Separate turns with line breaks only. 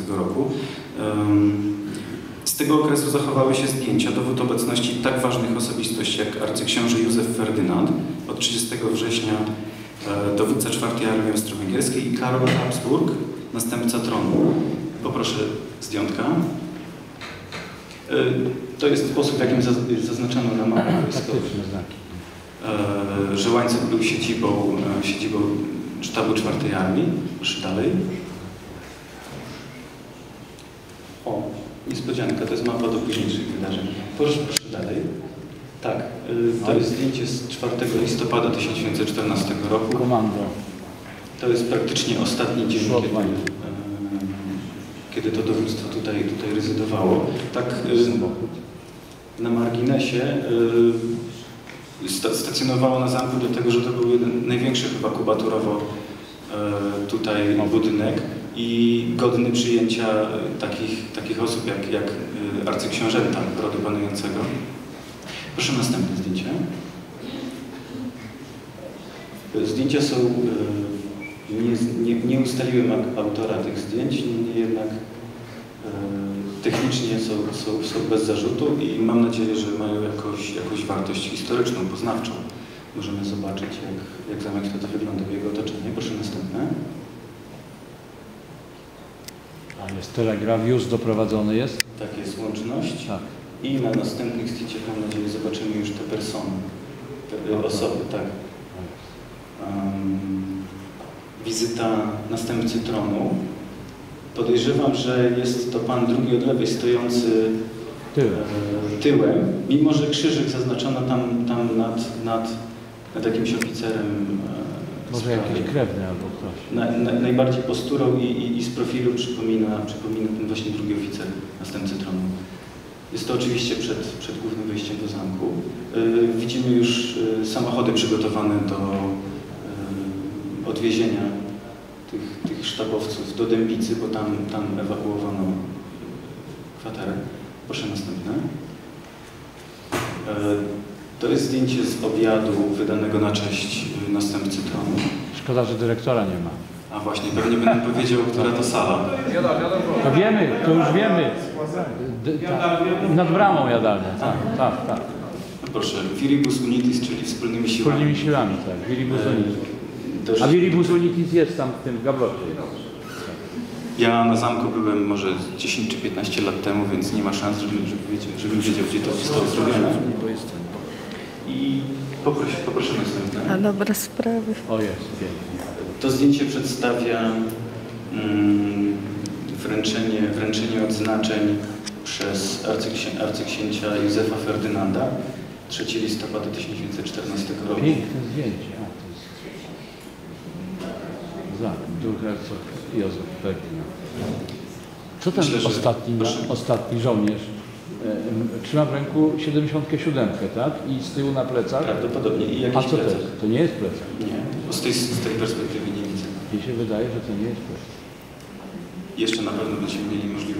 roku. Z tego okresu zachowały się zdjęcia, dowód obecności tak ważnych osobistości jak arcyksiąże Józef Ferdynand od 30 września, dowódca czwartej Armii Austro-Węgierskiej i Karol Habsburg, następca tronu. Poproszę zdjątka. To jest sposób, w jakim zaznaczono na mapach wojskowych, że Łańcuch był siedzibą sztabu czwartej Armii. Proszę dalej. O, niespodzianka, to jest mapa do późniejszych wydarzeń. Proszę dalej. Tak, to jest zdjęcie z 4 listopada 1914 roku.
Komando.
To jest praktycznie ostatni dzień, kiedy to dowództwo tutaj rezydowało. Tak, na marginesie stacjonowało na zamku, dlatego że to był jeden największy chyba kubaturowo tutaj budynek i godny przyjęcia takich osób jak arcyksiążęta rodu panującego. Proszę następne zdjęcie. Zdjęcia są, nie ustaliłem autora tych zdjęć, niemniej jednak technicznie są bez zarzutu i mam nadzieję, że mają jakąś wartość historyczną, poznawczą. Możemy zobaczyć, jak zamek wtedy wyglądał, jego otoczenie. Proszę następne.
A jest telegraf, już doprowadzony jest?
Tak, jest łączność.
Tak.
I na następnych zdjęciach, mam nadzieję, zobaczymy już te persony, te osoby, tak. Wizyta następcy tronu. Podejrzewam, że jest to pan drugi od lewej, stojący tyłem, mimo że krzyżyk zaznaczono tam nad jakimś oficerem.
Może jakiś krewny albo ktoś.
Najbardziej posturą i z profilu przypomina ten właśnie drugi oficer, następcy tronu. Jest to oczywiście przed głównym wejściem do zamku. Widzimy już samochody przygotowane do odwiezienia tych sztabowców do Dębicy, bo tam ewakuowano kwaterę. Proszę następne. To jest zdjęcie z obiadu wydanego na cześć następcy tronu.
Szkoda, że dyrektora nie ma.
A właśnie, pewnie będę powiedział, która to sala.
To wiemy, to już wiemy. Nad bramą jadalnia, tak.
No proszę, Viribus Unitis, czyli wspólnymi siłami.
Wspólnymi siłami, tak. Viribus Unitis. A Viribus Unitis jest tam w tym gablocie.
Ja na zamku byłem może 10 czy 15 lat temu, więc nie ma szans, żebym wiedział, gdzie to zostało zrobione. I poproszę następne.
A dobre sprawy.
O, jest, pięknie.
To zdjęcie przedstawia wręczenie odznaczeń przez arcyksięcia Józefa Ferdynanda 3 listopada 1914 roku.
Piękne zdjęcie. Duch hercog Józef Ferdynand. Co ten ostatni żołnierz trzyma w ręku 77, tak? I z tyłu na plecach?
Prawdopodobnie. I jakiś
A co
plecak.
to jest? To nie jest plecak.
Nie, bo z tej perspektywy nie widzę.
Mi się wydaje, że to nie jest plecak.
Jeszcze na pewno będziemy mieli możliwość